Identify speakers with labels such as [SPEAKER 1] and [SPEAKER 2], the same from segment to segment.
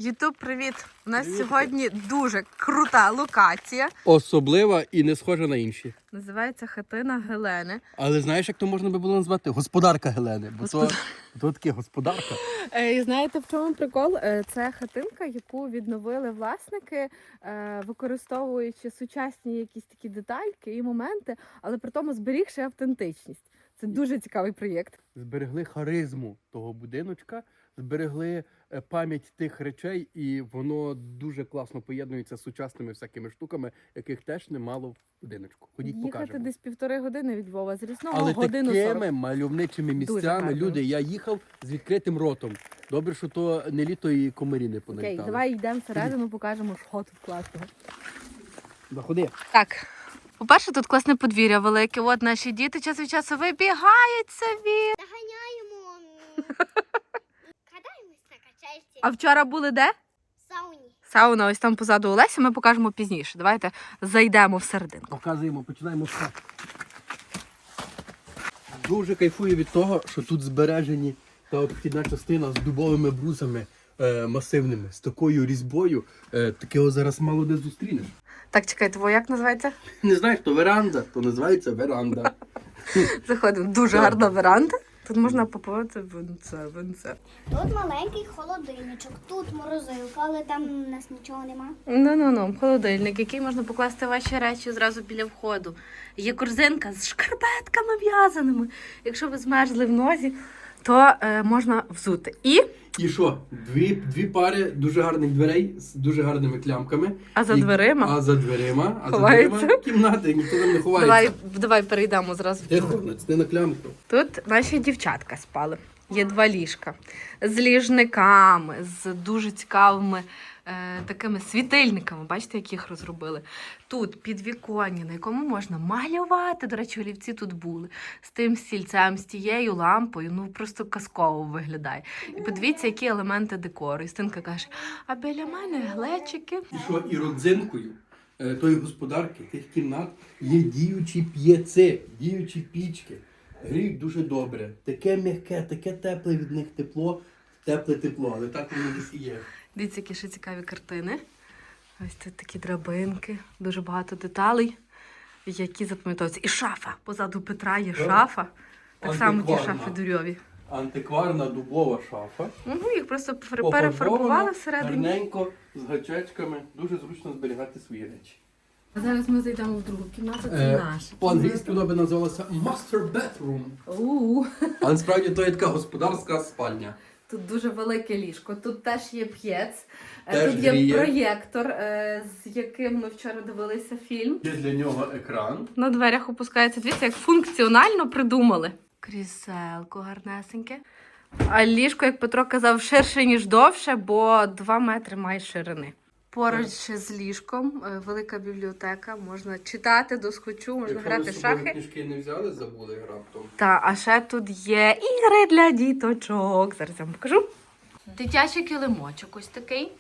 [SPEAKER 1] Ютуб, привіт! У нас
[SPEAKER 2] Привіт.
[SPEAKER 1] сьогодні дуже крута локація.
[SPEAKER 2] Особлива і не схожа на інші.
[SPEAKER 1] Називається хатина Гелени.
[SPEAKER 2] Але знаєш, як то можна би було назвати? Господарка Гелени. Бо то таке господарка.
[SPEAKER 1] І знаєте, в чому прикол? Це хатинка, яку відновили власники, використовуючи сучасні якісь такі детальки і моменти, але при тому зберігши автентичність. Це дуже цікавий проєкт.
[SPEAKER 2] Зберегли харизму того будиночка, зберегли пам'ять тих речей, і воно дуже класно поєднується з сучасними всякими штуками, яких теж немало в будиночку. Ходіть,
[SPEAKER 1] Їхати
[SPEAKER 2] покажемо.
[SPEAKER 1] десь 1,5 години від Львова з Рісного,
[SPEAKER 2] Але
[SPEAKER 1] годину
[SPEAKER 2] такими
[SPEAKER 1] 40.
[SPEAKER 2] мальовничими
[SPEAKER 1] Дуже
[SPEAKER 2] місцями,
[SPEAKER 1] гарно.
[SPEAKER 2] люди, я їхав з відкритим ротом. Добре, що то не літо і комарі не
[SPEAKER 1] Окей,
[SPEAKER 2] поналітали.
[SPEAKER 1] давай йдемо всередину, покажемо, що тут класного.
[SPEAKER 2] Заходи.
[SPEAKER 1] Так, по-перше, тут класне подвір'я велике. От наші діти час від часу вибігають собі.
[SPEAKER 3] Доганяємо. Катаємось на качельці.
[SPEAKER 1] А вчора були де?
[SPEAKER 3] В сауні.
[SPEAKER 1] Сауна ось там позаду Олесі, ми покажемо пізніше. Давайте зайдемо всередину.
[SPEAKER 2] Показуємо, починаємо з хати. Дуже кайфую від того, що тут збережені та обхідна частина з дубовими брусами масивними, з такою різьбою. Такого зараз мало де зустрінеш.
[SPEAKER 1] Так, чекай, твоє як називається?
[SPEAKER 2] Не знаєш, то веранда, то називається веранда.
[SPEAKER 1] Заходимо. Дуже гарна веранда. Тут можна попити винце.
[SPEAKER 3] Тут маленький холодильничок, тут морозилка, але там у нас нічого нема.
[SPEAKER 1] Ну, холодильник, який можна покласти ваші речі зразу біля входу. Є корзинка з шкарпетками в'язаними. Якщо ви змерзли в нозі, то можна взути.
[SPEAKER 2] І що? Дві пари дуже гарних дверей з дуже гарними клямками.
[SPEAKER 1] А за дверима?
[SPEAKER 2] А за дверима
[SPEAKER 1] Ховається.
[SPEAKER 2] Кімнати, ніхто там не ховається.
[SPEAKER 1] Давай перейдемо зразу.
[SPEAKER 2] Тихо, не на клямку.
[SPEAKER 1] Тут наші дівчатка спали. Є 2 ліжка з ліжниками, з дуже цікавими такими світильниками. Бачите, як їх розробили. Тут підвіконня, на якому можна малювати. До речі, олівці тут були. З тим стільцем, з тією лампою. Ну, просто казково виглядає. І подивіться, які елементи декору. І Стинка каже, а біля мене глечики.
[SPEAKER 2] І що, і родзинкою тої господарки, тих кімнат, є діючі п'єци, діючі пічки. Гріють дуже добре. Таке м'яке, таке тепле від них тепле тепло, але так воно десь і є.
[SPEAKER 1] Дивіться, які ще цікаві картини. Ось тут такі драбинки, дуже багато деталей, які запам'ятовуються. І шафа. Позаду Петра є шафа. Так само ті
[SPEAKER 2] Антикварна.
[SPEAKER 1] шафи дурьові.
[SPEAKER 2] Антикварна дубова шафа.
[SPEAKER 1] Їх просто перефарбували всередині.
[SPEAKER 2] Гарненько, з гачечками. Дуже зручно зберігати свої речі.
[SPEAKER 1] А зараз ми зайдемо в другу кімнату, це наша.
[SPEAKER 2] По-англійськи вона би називалася Master Bedroom. А насправді то є така господарська спальня.
[SPEAKER 1] Тут дуже велике ліжко, тут теж є п'єц,
[SPEAKER 2] Теж
[SPEAKER 1] тут є
[SPEAKER 2] гріє.
[SPEAKER 1] проєктор, з яким ми вчора дивилися фільм.
[SPEAKER 2] Є для нього екран.
[SPEAKER 1] На дверях опускається. Дивіться, як функціонально придумали. Кріселко гарнесеньке. А ліжко, як Петро казав, ширше, ніж довше, бо 2 метри має ширини. Поруч з ліжком велика бібліотека, можна читати досхочу, можна грати в шахи.
[SPEAKER 2] Книжки не взяли, забули раптом.
[SPEAKER 1] А ще тут є ігри для діточок. Зараз я вам покажу. Дитячий килимочок ось такий.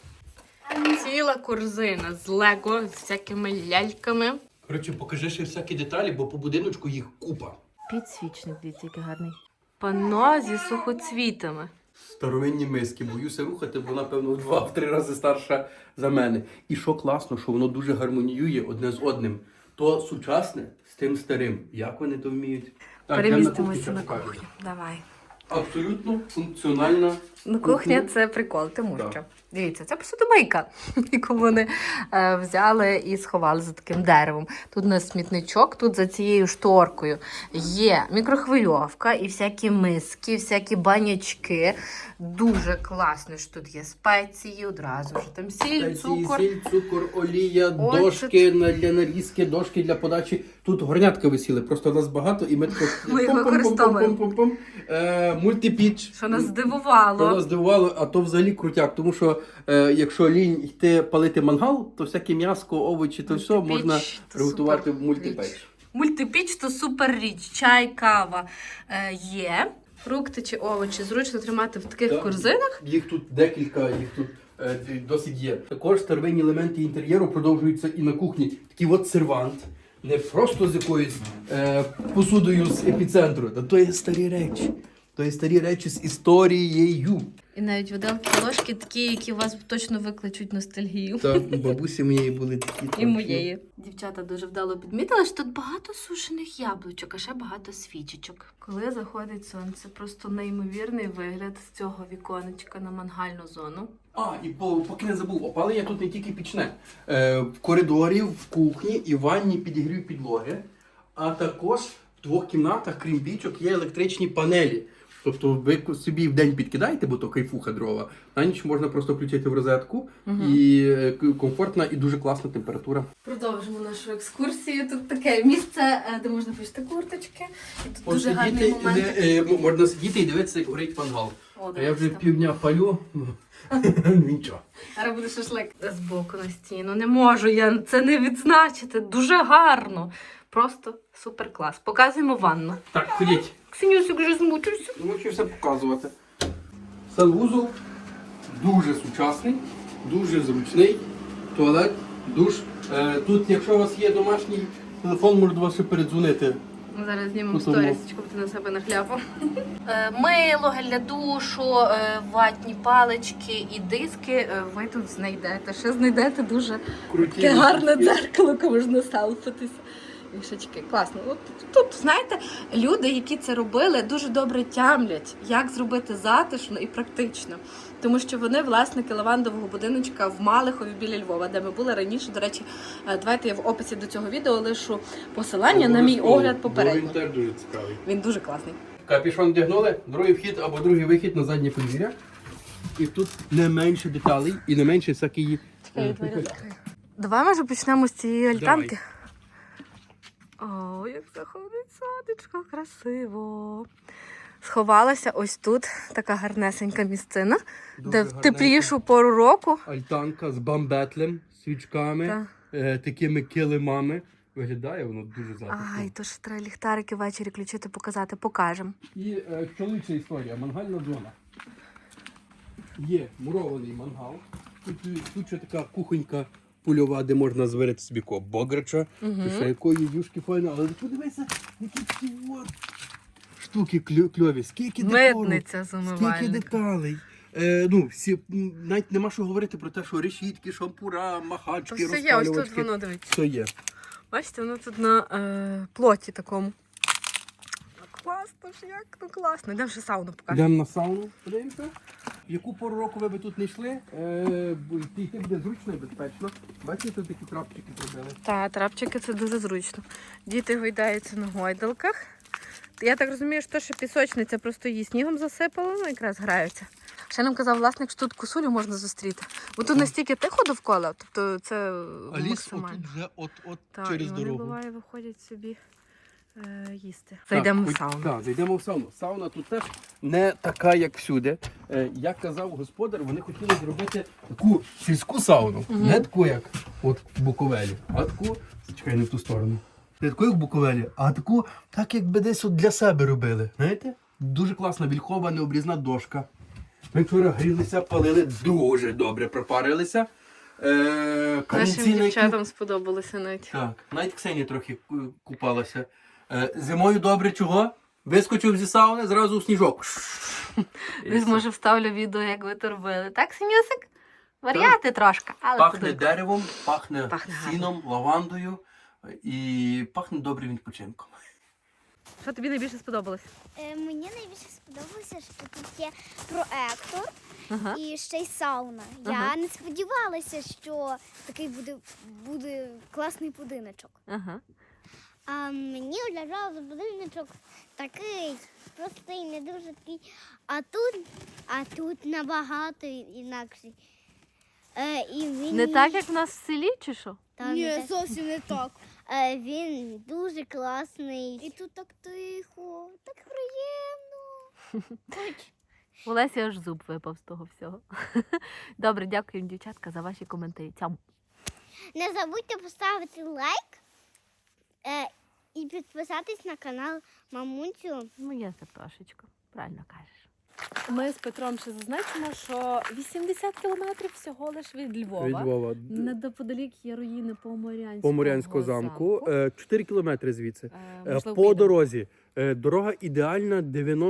[SPEAKER 1] Ціла корзина з лего, з всякими ляльками.
[SPEAKER 2] Коротше, покажи ще всякі деталі, бо по будиночку їх купа.
[SPEAKER 1] Підсвічник, дивіться, який гарний. Панно зі сухоцвітами.
[SPEAKER 2] Старовинні миски, боюся рухати, бо вона, певно, в 2-3 рази старша за мене. І що класно, що воно дуже гармоніює одне з одним. То сучасне з тим старим. Як вони то вміють? Так,
[SPEAKER 1] Перемістимося на
[SPEAKER 2] покажемо.
[SPEAKER 1] кухню. Давай.
[SPEAKER 2] Абсолютно функціональна.
[SPEAKER 1] Ну, кухня це прикол, тому
[SPEAKER 2] Так.
[SPEAKER 1] що. Дивіться, це посудомийка, яку вони взяли і сховали за таким деревом. Тут у нас смітничок, тут за цією шторкою є мікрохвильовка і всякі миски, всякі банячки. Дуже класно, що тут є спеції, одразу ж там сіль, цукор.
[SPEAKER 2] Сіль, цукор, олія,
[SPEAKER 1] Оцет.
[SPEAKER 2] дошки для нарізки, дошки для подачі. Тут горнятка висіли, просто нас багато і ми тако...
[SPEAKER 1] Ми їх використовуємо.
[SPEAKER 2] Пум-пум-пум-пум-пум. Мультипіч.
[SPEAKER 1] Що нас
[SPEAKER 2] Що
[SPEAKER 1] здивувало.
[SPEAKER 2] нас здивувало, а то взагалі крутяк, тому що якщо лінь йти палити мангал, то всяке м'ясо, овочі, то все
[SPEAKER 1] Мультипіч
[SPEAKER 2] можна
[SPEAKER 1] – то
[SPEAKER 2] приготувати в
[SPEAKER 1] супер
[SPEAKER 2] мультипеч.
[SPEAKER 1] річ. Мультипіч – то супер річ. Чай, кава є. Фрукти чи овочі зручно тримати в таких
[SPEAKER 2] Так.
[SPEAKER 1] корзинах.
[SPEAKER 2] Їх тут декілька, їх тут досить є. Також старовинні елементи інтер'єру продовжуються і на кухні. Такий от сервант. Не просто з якоюсь посудою з епіцентру, та то є старі речі. То є старі речі з історією.
[SPEAKER 1] І навіть виделки ложки такі, які вас точно викличуть ностальгію.
[SPEAKER 2] Та бабусі моєї були такі.
[SPEAKER 1] І моєї. Дівчата дуже вдало підмітили, що тут багато сушених яблучок, а ще багато свічечок. Коли заходить сонце, просто неймовірний вигляд з цього віконечка на мангальну зону.
[SPEAKER 2] І поки не забув, опалення тут не тільки пічне. В коридорі, в кухні і в ванні підігрів підлоги. А також в 2 кімнатах, крім пічок, є електричні панелі. Тобто ви собі в день підкидаєте, бо то кайфуха дрова, на ніч можна просто включити в розетку, і комфортна і дуже класна температура.
[SPEAKER 1] Продовжимо нашу екскурсію. Тут таке місце, де можна пишти курточки. І тут дуже гарний момент.
[SPEAKER 2] Можна сидіти і дивитися, як горить мангал.
[SPEAKER 1] О,
[SPEAKER 2] А я вже
[SPEAKER 1] там.
[SPEAKER 2] півдня палю, нічого.
[SPEAKER 1] Зараз буде шашлик збоку на стіну. Не можу я це не відзначити. Дуже гарно. Просто супер клас. Показуємо ванну.
[SPEAKER 2] Так, ходіть.
[SPEAKER 1] Ксенюсик вже змучився.
[SPEAKER 2] Мучився показувати. Санвузол дуже сучасний, дуже зручний. Туалет, душ. Тут, якщо у вас є домашній телефон, можна до вас ще передзвонити.
[SPEAKER 1] Зараз знімемо
[SPEAKER 2] Потім.
[SPEAKER 1] сторісочку, ти на себе нахляпав. Мило, гель для душу, ватні палички і диски ви тут знайдете. Ще знайдете дуже таке гарне дзеркало, коли можна селфитися. Вішечки, класно. От тут, знаєте, люди, які це робили, дуже добре тямлять, як зробити затишно і практично. Тому що вони власники лавандового будиночка в Малихові біля Львова, де ми були раніше. До речі, давайте я в описі до цього відео лишу посилання на мій огляд попередньо.
[SPEAKER 2] Він теж дуже цікавий.
[SPEAKER 1] Він дуже класний.
[SPEAKER 2] Капюшон вдягнули, другий вхід або другий вихід на заднє подвір'я. І тут не менше деталей і не менше всякої...
[SPEAKER 1] Давай, може, почнемо з цієї альтанки. О, як заходить сонечко, красиво. Сховалася ось тут така гарнесенька місцина, де в теплішу пору року.
[SPEAKER 2] Альтанка з бамбетлем, свічками, такими килимами. Виглядає воно дуже затишно.
[SPEAKER 1] Ай, то ж треба ліхтарики ввечері включити, показати, покажемо.
[SPEAKER 2] І чоловіча історія, мангальна зона. Є мурований мангал. Тут ще така кухонька польова, де можна зварити собі бограча. Ще якої юшки файно. Але подивися, які ці от штуки кльові. Скільки декору,
[SPEAKER 1] Митниця з умивальника.
[SPEAKER 2] скільки деталей. Навіть нема що говорити про те, що решітки, шампура, махачки,
[SPEAKER 1] То все є, ось тут
[SPEAKER 2] розпалювачки.
[SPEAKER 1] воно, дивіться.
[SPEAKER 2] Все є.
[SPEAKER 1] Бачите, воно тут на плоті такому. Класно ж, як ну класно. Йдемо ще сауну покажемо.
[SPEAKER 2] Йдемо на сауну, подивимося. В яку пору року ви тут не йшли, йти буде зручно і безпечно. Бачите, тут такі трапчики зробили.
[SPEAKER 1] Та, трапчики це дуже зручно. Діти гойдаються на гойдалках. Я так розумію, що ще пісочниця, просто її снігом засипало, ну якраз граються. Ще нам казав власник, що тут косулю можна зустріти. Бо тут настільки тихо довкола, тобто це
[SPEAKER 2] А ліс
[SPEAKER 1] максимально.
[SPEAKER 2] отут вже от
[SPEAKER 1] Так,
[SPEAKER 2] через
[SPEAKER 1] і вони,
[SPEAKER 2] дорогу.
[SPEAKER 1] буває, виходять собі їсти. Зайдемо в сауну.
[SPEAKER 2] Так, зайдемо в сауну. Сауна тут теж не така, як всюди. Як казав господар, вони хотіли зробити таку сільську сауну. Не таку, як от в Буковелі, а таку, чекай, не в ту сторону. Не таку, як в Буковелі, а таку, так якби десь от для себе робили. Знаєте? Дуже класна вільхова необрізна дошка. Ми вчора грілися, палили, дуже добре пропарилися.
[SPEAKER 1] Нашим дівчатам сподобалося навіть.
[SPEAKER 2] Так, навіть Ксенія трохи купалася. Зимою добре чого? Вискочив зі сауни, зразу в сніжок.
[SPEAKER 1] Десь, може, вставлю відео, як ви то робили. Так, Синюсик? Варіати трошки, але
[SPEAKER 2] Пахне
[SPEAKER 1] подумай.
[SPEAKER 2] деревом, пахне
[SPEAKER 1] Пахне
[SPEAKER 2] сіном, лавандою і пахне добрим відпочинком.
[SPEAKER 1] Що тобі найбільше сподобалось?
[SPEAKER 3] Мені найбільше сподобалося, що тут є проектор
[SPEAKER 1] Ага.
[SPEAKER 3] і ще й сауна.
[SPEAKER 1] Ага.
[SPEAKER 3] Я не сподівалася, що такий буде класний будиночок.
[SPEAKER 1] Ага.
[SPEAKER 3] А мені вважав будиночок такий простий, не дуже такий. А тут набагато інакший. І він
[SPEAKER 1] Не так, як в нас в селі, чи що?
[SPEAKER 3] Ні, зовсім не так. Він дуже класний. І тут так тихо, так приємно.
[SPEAKER 1] У Лесі аж зуб випав з того всього. Добре, дякую, дівчатка, за ваші коментарі. Цям.
[SPEAKER 3] Не забудьте поставити лайк і підписатись на канал Мамунцю.
[SPEAKER 1] Моя Сартошечко, правильно кажеш. Ми з Петром ще зазначимо, що 80 кілометрів всього лиш від Львова.
[SPEAKER 2] Від Львова.
[SPEAKER 1] Неподалік є руїни
[SPEAKER 2] Поморянського замку. 4 кілометри звідси.
[SPEAKER 1] Можливо,
[SPEAKER 2] По
[SPEAKER 1] підемо.
[SPEAKER 2] дорозі Дорога ідеальна,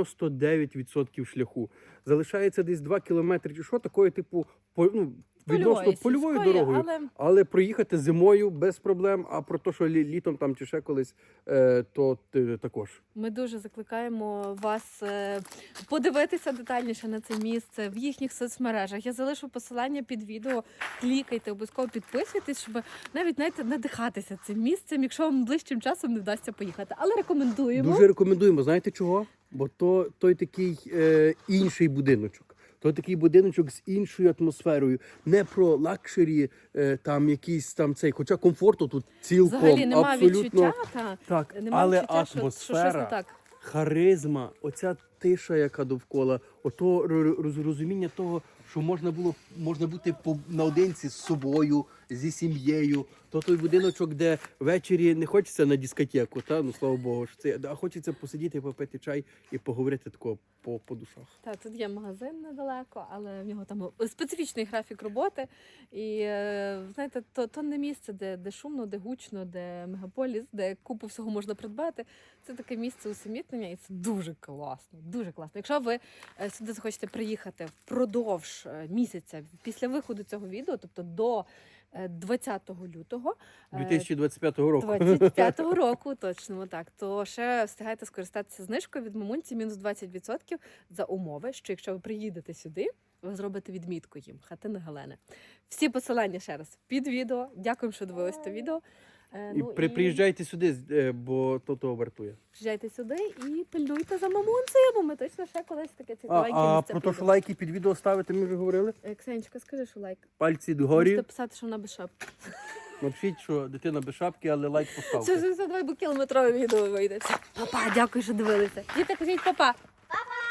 [SPEAKER 2] 99% шляху. Залишається десь 2 кілометри чи що, такої типу, відносно польовою
[SPEAKER 1] сільської,
[SPEAKER 2] дорогою. Але проїхати зимою без проблем, а про те, що літом там чи ще колись, то також.
[SPEAKER 1] Ми дуже закликаємо вас подивитися детальніше на це місце в їхніх соцмережах. Я залишу посилання під відео. Клікайте, обов'язково підписуйтесь, щоб навіть, знаєте, надихатися цим місцем, якщо вам ближчим часом не вдасться поїхати. Але рекомендуємо.
[SPEAKER 2] Дуже рекомендуємо. Знаєте чого? Бо той такий інший будиночок. То такий будиночок з іншою атмосферою. Не про лакшері, там якийсь там цей, хоча комфорту тут цілком,
[SPEAKER 1] Взагалі немає
[SPEAKER 2] абсолютно.
[SPEAKER 1] відчуття,
[SPEAKER 2] Так,
[SPEAKER 1] нема
[SPEAKER 2] але
[SPEAKER 1] відчуття, що щось не
[SPEAKER 2] атмосфера,
[SPEAKER 1] так.
[SPEAKER 2] харизма, оця тиша, яка довкола, ото розуміння того, що можна бути наодинці з собою, зі сім'єю. То той будиночок, де ввечері не хочеться на дискотеку, ну слава Богу, а хочеться посидіти, попити чай і поговорити тако по душах.
[SPEAKER 1] Так, тут є магазин недалеко, але в нього там специфічний графік роботи. І знаєте, то не місце, де шумно, де гучно, де мегаполіс, де купу всього можна придбати. Це таке місце усамітнення, і це дуже класно. Дуже класно. Якщо ви сюди захочете приїхати впродовж місяця після виходу цього відео, тобто до 20 лютого
[SPEAKER 2] 2025 року.
[SPEAKER 1] 25-го року, точно так, то ще встигайте скористатися знижкою від мамунці мінус 20% за умови, що якщо ви приїдете сюди, ви зробите відмітку їм Хатини Галени. Всі посилання ще раз під відео. Дякуємо, що дивились це відео.
[SPEAKER 2] Приїжджайте сюди, бо то вартує.
[SPEAKER 1] Приїжджайте сюди і пильнуйте за мамунцею, бо ми точно ще колись таке цікавеньке
[SPEAKER 2] А
[SPEAKER 1] місце
[SPEAKER 2] про те, що
[SPEAKER 1] підемо.
[SPEAKER 2] лайки під відео ставити, ми вже говорили.
[SPEAKER 1] Ксенечка, скажи, що лайк.
[SPEAKER 2] Пальці догорі.
[SPEAKER 1] Можете писати, що вона без шапки.
[SPEAKER 2] Напишіть, що дитина без шапки, але лайк поставте.
[SPEAKER 1] Це давай, бо кілометрове відео вийде. Папа, дякую, що дивилися. Діти, кажіть папа.
[SPEAKER 3] Папа!